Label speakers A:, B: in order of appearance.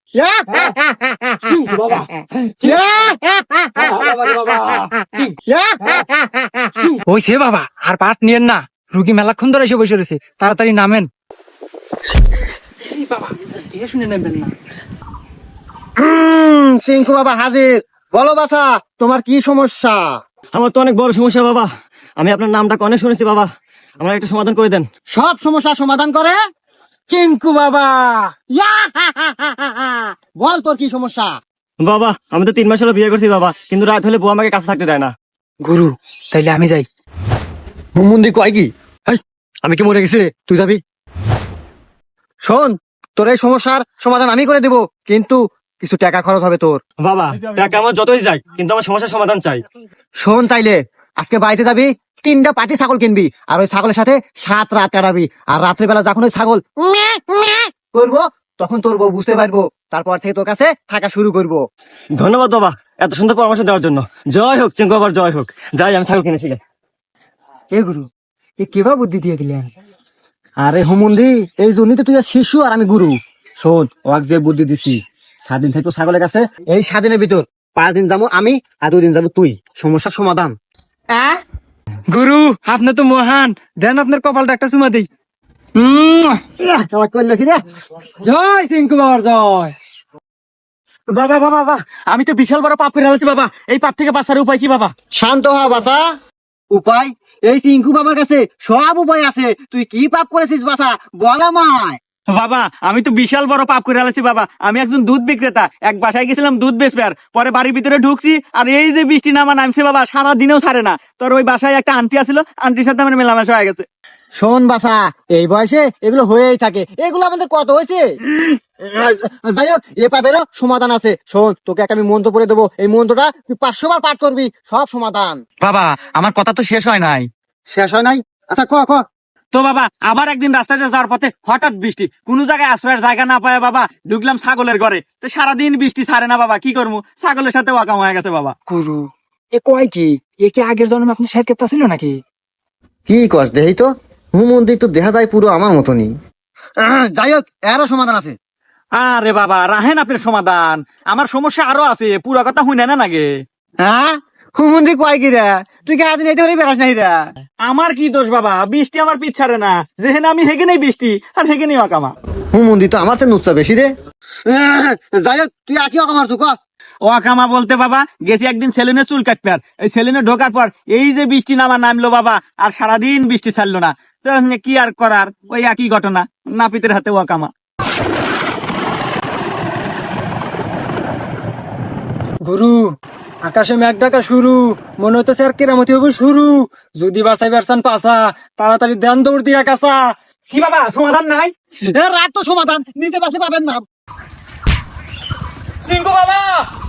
A: ওই সে বাবা, আর পাট নিয়েন না, রুগী মেলাক্ষণ ধরে এসে বসে রয়েছে, তাড়াতাড়ি নামেন। বাবা দেখে শুনে নেবেন না।
B: চিঙ্কু বাবা হাজির। বলো বাছা, তোমার কি সমস্যা?
C: আমার তো অনেক বড় সমস্যা বাবা, আমি আপনার নামটা অনেক শুনেছি বাবা, আমার একটা সমাধান করে দেন।
B: সব সমস্যা সমাধান করে
A: চিঙ্কু বাবা।
B: বল তোর কি সমস্যা?
C: বাবা আমি তো 3 মাস হলো বিয়ে করছি বাবা, কিন্তু রাত হলে বউ আমাকে কাছে থাকতে দেয় না।
A: গুরু তাইলে আমি যাই।
B: হুমুন্দি কয় কি? আমি কি মরে গেছি রে? তুই যাবি? শোন, তোর এই সমস্যার সমাধান আমি করে দেব, কিন্তু কিছু টাকা খরচ হবে তোর।
C: বাবা টাকা আমার যতই যাই, কিন্তু আমার সমস্যার সমাধান চাই।
B: শোন তাইলে, আজকে বাড়িতে যাবি, 3টা পাটি ছাগল কিনবি, আর ওই ছাগলের সাথে 7 রাত কাটাবি, আর রাত্রেবেলা যখন ওই ছাগল করবো, তখন তোর বউ বুঝতে পারবো, তারপর থেকে তোর কাছে থাকা শুরু করবো।
C: ধন্যবাদ বাবা এত সুন্দর পরামর্শ দেওয়ার জন্য। জয় হোক চিঙ্কু বাবার, জয় হোক। যাই আমি ছাগল কিনেছি।
A: এ গুরু, এ কেবা বুদ্ধি দিয়ে দিলেন?
B: আরে হুমুন্দি, এই জন্যই তো তুই শিশু আর আমি গুরু। শোন, ওয়াক যে বুদ্ধি দিছি, 7 দিন থাকবো ছাগলের কাছে, এই 7 দিনের ভিতর 5 দিন যাবো আমি, আর 2 দিন যাবো তুই। সমস্যার সমাধান।
A: গুরু আপনি তো মহান, দেন আপনার কপালটা একটা চুমা দিই।
B: করলো কি রে?
A: জয় চিঙ্কু বাবার জয়।
C: বাবা বাবা বাবা, আমি তো বিশাল বড় পাপ করে ফেলেছি বাবা, এই পাপ থেকে বাঁচার উপায় কি বাবা?
B: শান্ত হ বাছা। উপায়? এই চিঙ্কু বাবার কাছে সব উপায় আছে। তুই কি পাপ করেছিস বাছা, বল আমায়।
C: বাবা আমি তো বিশাল বড় পাপ করে ফেলেছি বাবা। আমি একজন দুধ বিক্রেতা, এক বাসায় গেছিলাম দুধ বেচবার, পরে বাড়ির ভিতরে ঢুকছি, আর এই যে বৃষ্টি নামছে বাবা, সারা দিনেও ছাড়ে না। তোর ওই বাসায় একটা আন্টি আসলো, আন্টির সাথে আমার মেলামেশা হয়ে গেছে।
B: শোন বাছা, এই বয়সে এগুলো হয়েই থাকে, এগুলো আমাদের কত হয়েছে। যাই হোক, এ পাপেরও সমাধান আছে। শোন, তোকে একটা আমি মন্ত্র পড়ে দেবো, এই মন্ত্রটা তুই 500 বার পাঠ করবি, সব সমাধান।
A: বাবা আমার কথা তো শেষ হয় নাই।
B: শেষ হয় নাই? আচ্ছা ক ক।
C: তো বাবা আবার একদিন রাস্তাতে যাওয়ার পথে হঠাৎ বৃষ্টি, কোন জায়গায় আশ্রয়ের জায়গা না পায় বাবা ঢুকলাম ছাগলের ঘরে। তো সারাদিন বৃষ্টি ছাড়ে না বাবা, কি করবো, ছাগলের সাথে ওয়াকাম হয়ে গেছে বাবা।
A: গুরু এ কয় কি, এ কি আগের জন্মে আপনি শের কেতা ছিল নাকি?
B: কি কস দেহি তো, হুমন্দির তো দেখা যায় পুরো আমার মতনই। যাই হোক, এরও সমাধান আছে।
C: আরে বাবা রাহেন আপনার সমাধান, আমার সমস্যা আরো আছে, পুরো কথা শুনে না নাগে।
B: হ্যাঁ, হুমন্দি কয় কি রে? তুই কি আজ নেই বেড়াস নাই রে?
C: আমার কি দোষ বাবা, বৃষ্টি আমার পিছ ছাড়ে না, যেখানে আমি হেগে নেই বৃষ্টি, আর হেগে নেই ওয়াকামা।
B: হুমন্দি তো আমার চেয়ে নুচ্ছা বেশি রে। যাই হোক, তুই আকি অকামার তুই ক।
C: ওয়াকামা বলতে বাবা গেছি একদিন সেলুনে চুল কাটবে, আর এই সেলুনে ঢোকার পর এই যে বৃষ্টি নামলো বাবা, আর সারাদিন বৃষ্টি ছাড়লো না। তো কি আর করার, ওই একই ঘটনা, নাপিতের হাতে ওয়াকামা।
A: গুরু আকাশে মেঘ ডাকা শুরু, মনে হইতেছে আর কেরামতি হবে শুরু। যদি বাঁচাই বেরসান পাসা, তাড়াতাড়ি দেন দৌড় দিয়া কাছা।
C: কি বাবা সমাধান নাই?
B: রাত তো সমাধান, নিজে বাসে পাবেন না।
C: সিংকু বাবা